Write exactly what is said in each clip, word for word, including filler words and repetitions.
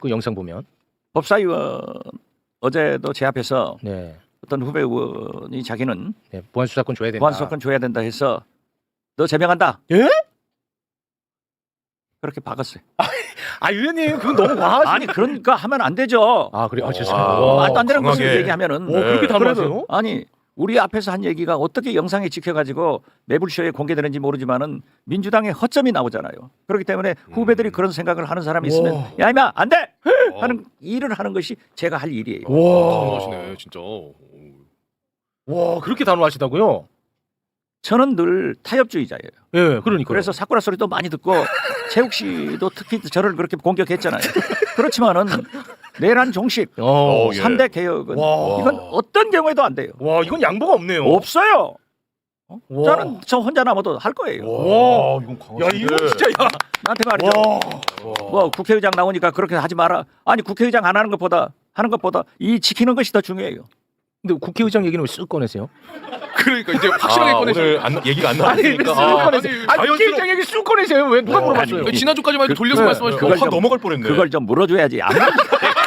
그 영상 보면. 법사위원 어제도 제 앞에서 네. 어떤 후배 의원이 자기는 네. 보안 수사권 줘야 된다. 보안 수사권 줘야 된다 해서 너 제명한다. 예? 그렇게 박았어요. 아 의원님 그건 너무 과하시. 아니 그러니까 하면 안 되죠. 아 그래. 아 와. 죄송합니다. 와. 말도 안 되는 강하게. 것을 얘기하면은 오, 그렇게 단호하세요? 아니 우리 앞에서 한 얘기가 어떻게 영상에 찍혀가지고 매불쇼에 공개되는지 모르지만은 민주당의 허점이 나오잖아요. 그렇기 때문에 후배들이 음. 그런 생각을 하는 사람이 있으면 와. 야 임마 안 돼! 어. 하는 일을 하는 것이 제가 할 일이에요. 와. 단호하시네 진짜. 와 그렇게 단호하시다고요? 저는 늘 타협주의자예요. 예. 그러니까. 그래서 사쿠라 소리도 많이 듣고 최욱 씨도 특히 저를 그렇게 공격했잖아요. 그렇지만은 내란 종식, 어. 어, 예. 삼 대 개혁은 와. 이건 어떤 경우에도 안 돼요. 와 이건 양보가 없네요. 없어요. 와. 저는 저 혼자 남아도 할 거예요. 와. 이건 야 이거 진짜 야. 나한테 말이죠. 와. 뭐 국회의장 나오니까 그렇게 하지 마라. 아니 국회의장 안 하는 것보다 하는 것보다 이 지키는 것이 더 중요해요. 근데 국회의장 얘기는 왜 쓱 꺼내세요? 그러니까 이제 확실하게 아, 꺼내시는 오늘 안, 얘기가 안 아니 왜 나왔으니까. 쓱 아, 꺼내세요? 아니, 아니 국회의장 얘기 쓱 꺼내세요. 왜 누가 어, 물어봤어요? 아니, 지난주까지만 해도 돌려서 그- 말씀하시고 그걸 확 좀- 넘어갈 뻔했네. 그걸 좀 물어줘야지. 안 물어-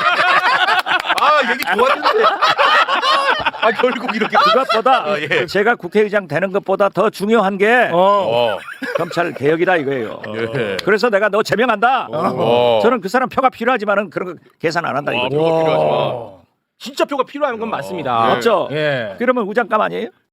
아 얘기 좋았는데. 아 결국 이렇게. 그것보다 아, 예. 제가 국회의장 되는 것보다 더 중요한 게 어. 어. 검찰 개혁이다 이거예요. 예. 그래서 내가 너 제명한다. 어. 저는 그 사람 표가 필요하지만은 그런 거 계산 안 한다 와, 이거죠. 표가 필요하지만. 진짜 표가 필요한 건 와. 맞습니다. 예. 맞죠? 예. 그러면 우장감 아니에요?